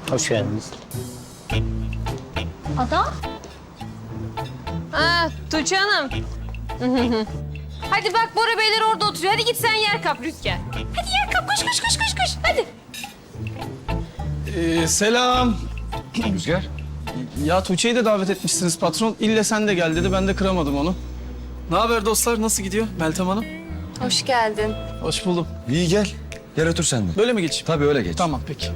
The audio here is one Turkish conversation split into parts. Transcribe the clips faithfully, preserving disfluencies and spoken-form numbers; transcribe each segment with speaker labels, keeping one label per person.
Speaker 1: Hoş geldiniz.
Speaker 2: Ada?
Speaker 3: Ha, Tuğçe Hanım. Hadi bak Bora Beyler orada oturuyor. Hadi git sen yer kap Rüzgar. Hadi yer kap. Koş koş koş koş koş. Hadi.
Speaker 4: Ee, selam.
Speaker 5: Rüzgar.
Speaker 4: Ya Tuğçe'yi de davet etmişsiniz patron. İlle sen de gel dedi. Ben de kıramadım onu. Ne haber dostlar? Nasıl gidiyor Meltem Hanım?
Speaker 3: Hoş geldin.
Speaker 4: Hoş buldum.
Speaker 5: İyi gel. Gel otur sen de.
Speaker 4: Böyle mi geçeyim?
Speaker 5: Tabii öyle geç.
Speaker 4: Tamam peki.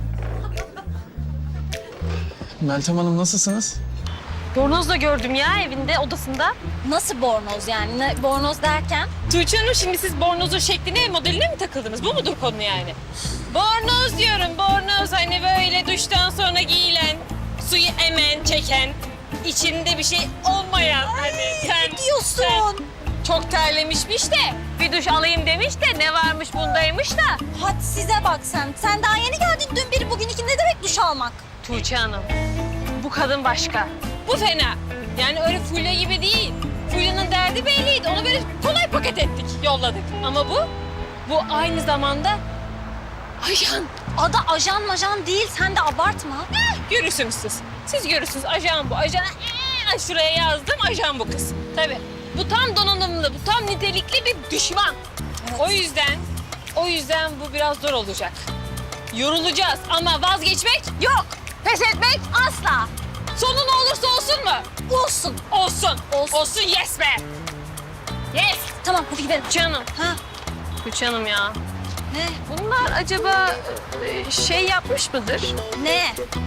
Speaker 4: Meltem Hanım nasılsınız?
Speaker 3: Bornoz da gördüm ya evinde, odasında.
Speaker 2: Nasıl bornoz yani? Ne, bornoz derken?
Speaker 3: Tuğçe Hanım şimdi siz bornozun şekline, modeline mi takıldınız? Bu mudur konu yani? Bornoz diyorum, bornoz. Hani böyle duştan sonra giyilen, suyu emen, çeken, içinde bir şey olmayan. Hani sen,
Speaker 2: diyorsun?
Speaker 3: sen çok terlemişmiş de bir duş alayım demiş de ne varmış bundaymış da.
Speaker 2: Hadi size bak sen. Sen daha yeni geldin dün biri bugün iki. Ne demek duş almak?
Speaker 3: Tuğçe Hanım, bu kadın başka. Bu fena. Yani öyle Fulya gibi değil. Fulya'nın derdi belliydi. Onu böyle kolay paket ettik, yolladık. Ama bu, bu aynı zamanda ajan.
Speaker 2: Ada ajan majan değil. Sen de abartma.
Speaker 3: Eh, görürsünüz siz. Siz görürsünüz. Ajan bu. Ajan, ee, şuraya yazdım. Ajan bu kız. Tabii. Bu tam donanımlı, bu tam nitelikli bir düşman.
Speaker 2: Evet.
Speaker 3: O yüzden, o yüzden bu biraz zor olacak. Yorulacağız ama vazgeçmek yok. Pes etmek asla. Sonu ne olursa olsun mu?
Speaker 2: Olsun.
Speaker 3: Olsun.
Speaker 2: Olsun.
Speaker 3: Olsun yes be. Yes.
Speaker 2: Tamam hadi gidelim.
Speaker 3: Canım.
Speaker 2: Ha
Speaker 3: Tuğçe Hanım ya.
Speaker 2: ne?
Speaker 3: Bunlar acaba e, şey yapmış mıdır?
Speaker 2: Ne?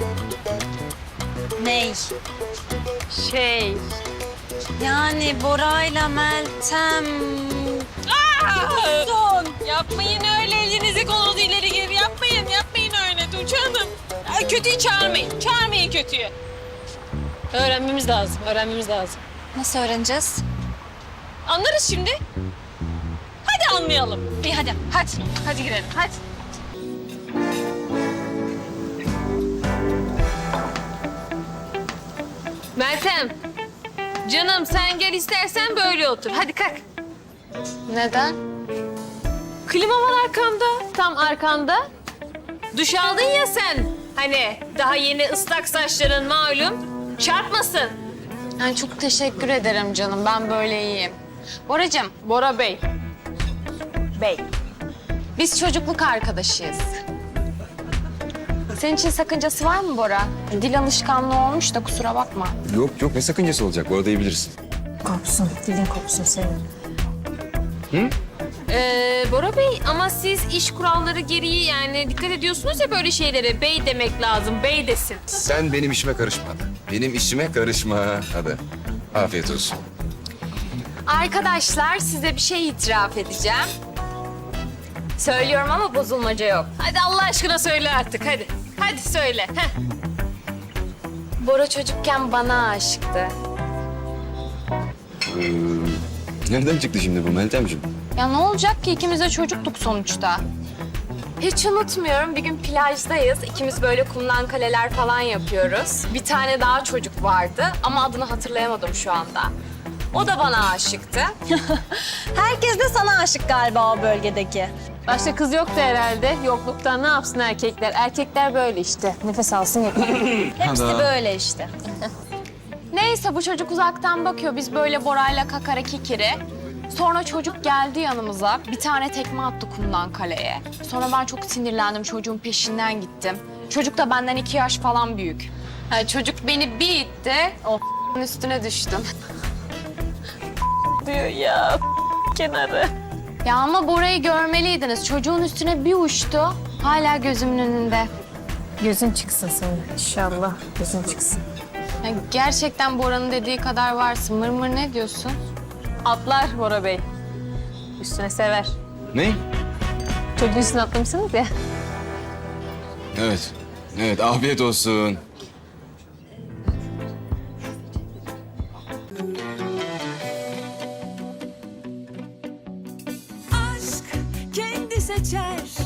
Speaker 2: Ney?
Speaker 3: Şey.
Speaker 2: Yani Bora'yla Meltem...
Speaker 3: Aa!
Speaker 2: Son.
Speaker 3: Yapmayın öyle, elinizi kolunuzu ileri geri yapmayın. Yapmayın öyle Tuğçe Hanım. Ay, kötüyü çağırmayın. Çağırmayın kötüyü. Öğrenmemiz lazım. Öğrenmemiz lazım.
Speaker 2: Nasıl öğreneceğiz?
Speaker 3: Anlarız şimdi. Hadi anlayalım.
Speaker 2: İyi hadi.
Speaker 3: Hadi. Hadi girelim. Hadi. Meltem. Canım sen gel istersen böyle otur. Hadi kalk.
Speaker 2: Neden?
Speaker 3: Klima var arkamda. Tam arkanda. Duş aldın ya sen. Hani daha yeni ıslak saçların malum. Çarpmasın.
Speaker 6: Yani çok teşekkür ederim canım. Ben böyle iyiyim. Boracığım,
Speaker 3: Bora Bey. Bey.
Speaker 6: biz çocukluk arkadaşıyız. Senin için sakıncası var mı Bora? Dil alışkanlığı olmuş da kusura bakma.
Speaker 5: Yok yok ne sakıncası olacak? Bu arada iyi bilirsin.
Speaker 2: Kopsun. Dilin kopsun senin.
Speaker 3: Ee, Bora Bey ama siz iş kuralları gereği yani dikkat ediyorsunuz ya böyle şeylere. Bey demek lazım. Bey desin.
Speaker 5: Sen benim işime karışma hadi. Benim işime karışma hadi. Afiyet olsun.
Speaker 6: Arkadaşlar size bir şey itiraf edeceğim. Söylüyorum ama bozulmaca yok.
Speaker 3: Hadi Allah aşkına söyle artık hadi. Hadi söyle. Heh.
Speaker 6: Bora çocukken bana aşıktı.
Speaker 5: Ee, nereden çıktı şimdi bu Meltemciğim?
Speaker 6: Ya ne olacak ki ikimiz de çocuktuk sonuçta. Hiç unutmuyorum bir gün plajdayız. İkimiz böyle kumdan kaleler falan yapıyoruz. Bir tane daha çocuk vardı ama adını hatırlayamadım şu anda. O da bana aşıktı.
Speaker 2: Herkes de sana aşık galiba o bölgedeki.
Speaker 3: Başta kız yoktu herhalde. Yokluktan ne yapsın erkekler? Erkekler böyle işte. Nefes alsın yeter.
Speaker 2: Hepsi böyle işte.
Speaker 6: Neyse bu çocuk uzaktan bakıyor. Biz böyle Bora'yla kakara kikiri. Sonra çocuk geldi yanımıza. Bir tane tekme attı kumdan kaleye. Sonra ben çok sinirlendim. Çocuğun peşinden gittim. Çocuk da benden iki yaş falan büyük. Yani çocuk beni bir itti. O üstüne düştüm.
Speaker 3: Diyor ya kenarı.
Speaker 6: Ya ama Bora'yı görmeliydiniz. Çocuğun üstüne bir uçtu. Hala gözümün önünde.
Speaker 3: Gözün çıksın senin inşallah. Gözün çıksın.
Speaker 6: Ya gerçekten Bora'nın dediği kadar varsın. Mır mır ne diyorsun?
Speaker 3: Atlar Bora Bey. Üstüne sever.
Speaker 5: Ne?
Speaker 3: Çocuğun üstüne atlamışsınız ya.
Speaker 5: Evet. Evet afiyet olsun.
Speaker 7: aşk kendi seçer